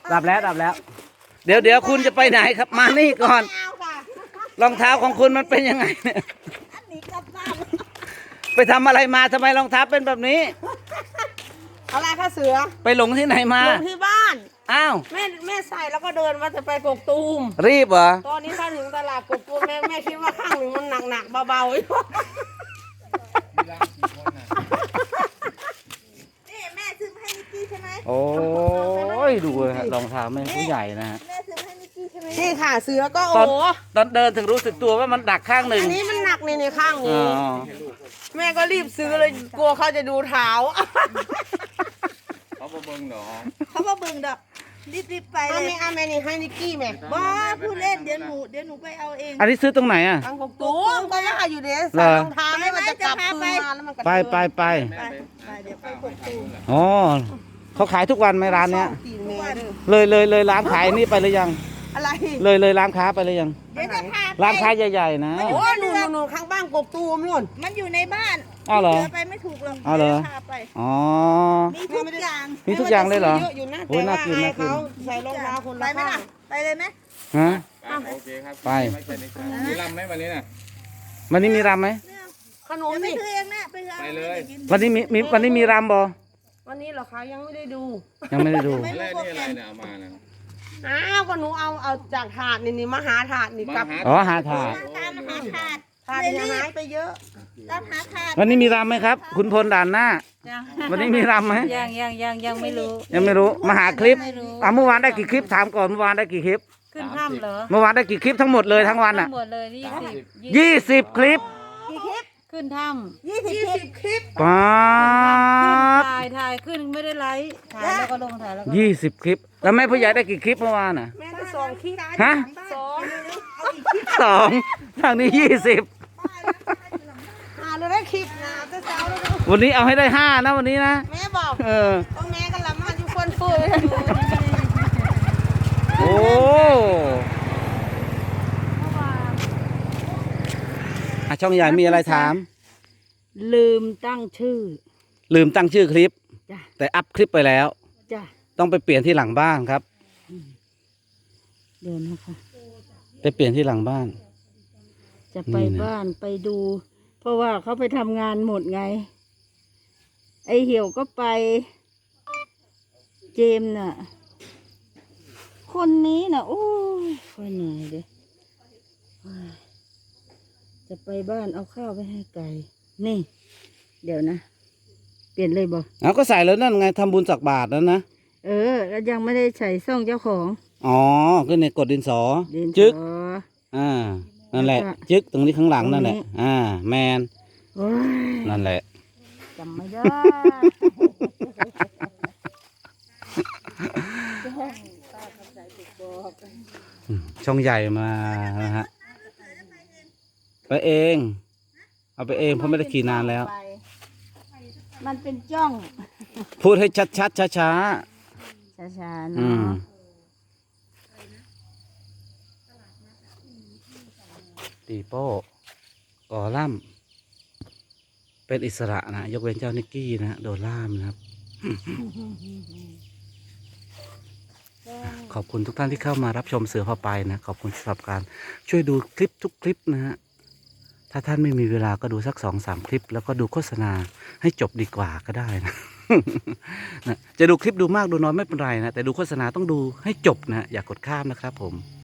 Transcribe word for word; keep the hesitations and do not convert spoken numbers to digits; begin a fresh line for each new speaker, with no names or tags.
ดับแล้วดับแล้ว เดี๋ยวเดี๋ยวคุณจะไปไหนครับมานี่ก่อนรองเท้าของคุณมันเป็นยังไงเนี่ยไปทำอะไรมาทำไมรองเท้าเป็นแบบนี้
อะไรคะเสือ
ไปหลงที่ไหนมา
ลงที่บ้าน
อ้าว
แม่แม่ใส่แล้วก็เดินว่าจะไปกกตูม
รีบเหรอ
ตอนนี้ถ้าถึงตลาดกกตูมแม่แม่คิดว่าข้างหนึ่งมันหนักหนักๆเบาๆอยู่นี่แม่ซื้อมาให้นิกกี้ใช่ไหม
โอ้ยดูเลยฮะรองเท้าแม่ผู้ใหญ่นะฮะ
แม่ซื้อมาให้นิกกี้ใช่ไหมนี่ค่ะเสือก็
ตอน
โอ้
ตอนเดินถึงรู้สึกตัวว่ามันดักข้างหนึ่ง
อันนี้มันหนักนี่ในข้าง
อ๋
นี้
อ
แม่ก็รีบซื้อเลยกลัวเขาจะดูเท้า
เขาบ่เบิ่งดอก
เขามาเบิ่งดอกรีบๆไป
เอา
เลย
แม่เอาแม่นี่ให้นิกกี้แม่
บ้าผู้เล่นเดี๋ยวหนูเดี๋ยวหนูไปเอาเอง
อันนี้ซื้อตรงไหนอ่ะ
ทางกกตูมก็ว่าอยู่เด้
เหร
ใส่
อ
รองเท้าให้มันจะกลับคืนมาแล้วมันก็
ไปไปไป
ไปไปเดี๋ยวไปกดตูม
อ๋อเขาขายทุกวันไหมร้านเนี้ย
ตีนแม่เด้อ
เลยเลยเลยร้านขายนี่ไปหรือยัง
อะไร
เลยเลยร้านค้าไปหรือยัง
เดี๋ยวจะพาไป
ร้านค้าใหญ่ๆนะ
โอ้ยหนูหนูข้างบ้านกกตูมนู่น
มันอยู่ในบ้าน
อ้าวเหรอ
เดี๋ยวไปไม่ถูกหรอก
อ้าวเหรอ
ดี๋ยวพาไป
อ๋อ
มีทุกอย่าง
มีทุกอย่างเลยเหรอ
เยอะอยู่นะ
โอ้
แต่
ยน่า
ว่า
กิน
ไอ้
น่ากิน
เขาใส่รองเท้าคน
ไป
ละ
ไหม
ข้า
ล่ะ
ง
ไปเลยไหม
ฮะ
โอเคครับ
ไป
ไม่ใช่นี่มีลำไหมวันนี้น่ะ
วันนี้มีรำไหม
เนี่ย
ขนม
เดี๋ยวไป
นี่
ซื้อเองนะไปเอา
ไปเลย
กิน
วันนี้มีมีวันนี้มีรำบ่
วันนี้เหรอคะยังไม่ได้ดู
ยังไม่ได้ดู
นี่อะไรนี่อะไรเนี่ยเอามานะ
อ้าวก็หนูเอาเอาจากถาดนี่นี่มาหาถาดนี่
มาก
ลับ
หา
อ๋อหาถาด
ตามหาถาด
ถาดเนี่ยหายไปเยอะ
ตามหาถาด
วันนี้มีรำไหมครับ คุณพลด่านหน้า
ยัง
วันนี้มีรำไหม
ยังยังยังยังไม่รู้
ยังไม่รู้ มาหาคลิป
ไม่รู้
อ่ะเมื่อวานได้กี่คลิปถามก่อนเมื่อวานได้กี่คลิป
ขึ้นถ้ำเหรอ
เมื่อวานได้กี่คลิปทั้งหมดเลยทั้งวัน
ทั้
อ่ะ
งหมดเลยยี่สิบ
ยี่สิบคลิป
กี่คลิป
ขึ้นถ้
ยี่สิบคลิป
ป๊า
ำ
บ
ถ่ายถ่ายขึ้นไม่ได้ไลฟ์ถ่ายแล้วก็ลงถ่ายแล้วก็ลง
ยี่สิบคลิป แล้วแม่ผู้ใหญ่ได้กี่คลิปเมื่อวานอ่ะ
แม่ก็สองคลิป
ฮะ
สอง
สองทางนี้ยี่สิบ
อ่าเราได้คลิปนะเอาแต่เช้าแล้วนะ
วันนี้เอาให้ได้ห้านะวันนี้นะ
แม่บอก
เออ
ต้องแม่กันละมันอยู่คนฟูเลย
โอ้อ่ะช่องใหญ่มีอะไรถาม
ลืมตั้งชื่อ
ลืมตั้งชื่อคลิป
จ้ะ
แต่อัพคลิปไปแล้ว
จ้ะ
ต้องไปเปลี่ยนที่หลังบ้านครับ
เดี๋ยวนะคะ
ไปเปลี่ยนที่หลังบ้าน
จะไป
นี่นะ
บ้านไปดู เพราะว่าเขาไปทำงานหมดไง ไอเหี่ยวก็ไป เจมส์น่ะ คนนี้น่ะ โอ้ยค่อยเหนื่อยเลยโอ้ยจะไปบ้านเอาข้าวไปให้ไก่ นี่ เดี๋ยวนะ เปลี่ยนเลยบอก
เอาก็ใส่แล้วนั่นไงทำบุญสักบาทแล้วนะ
เออ แล้วยังไม่ได้ใส่ซ่องเจ้าของ
อ๋อก็ในกดดินสอ
เดิน
จึ๊ก
ต่อ
อ่า นั่นแหละ
แล้วก็
จึ๊กตรงนี้ข้างหลังนั่นแหละ
ตรงนี้
อ่า แมน
โอ้ย
นั่นแหละ
จำไม่ได้
ช่องใหญ่มานะฮะ ไปเอง เอาไปเองเพราะไม่ได้ขี่นานแล้ว
มันเป็นจ้อง
พูดให้ชัดชัดช้าช้า
ช้าๆ
ๆอืม
เนาะ
ตีโป้ก่อล่ำเป็นอิสระนะ ยกเว้นเจ้านิกกี้นะ โดนล่ามนะครับ ขอบคุณทุกท่านที่เข้ามารับชมเสือพาไปนะ ขอบคุณสำหรับการช่วยดูคลิปทุกคลิปนะฮะ ถ้าท่านไม่มีเวลาก็ดูสักสองสามคลิป แล้วก็ดูโฆษณาให้จบดีกว่าก็ได้นะ นะจะดูคลิปดูมากดูน้อยไม่เป็นไรนะ แต่ดูโฆษณาต้องดูให้จบนะ อย่ากกดข้ามนะครับผม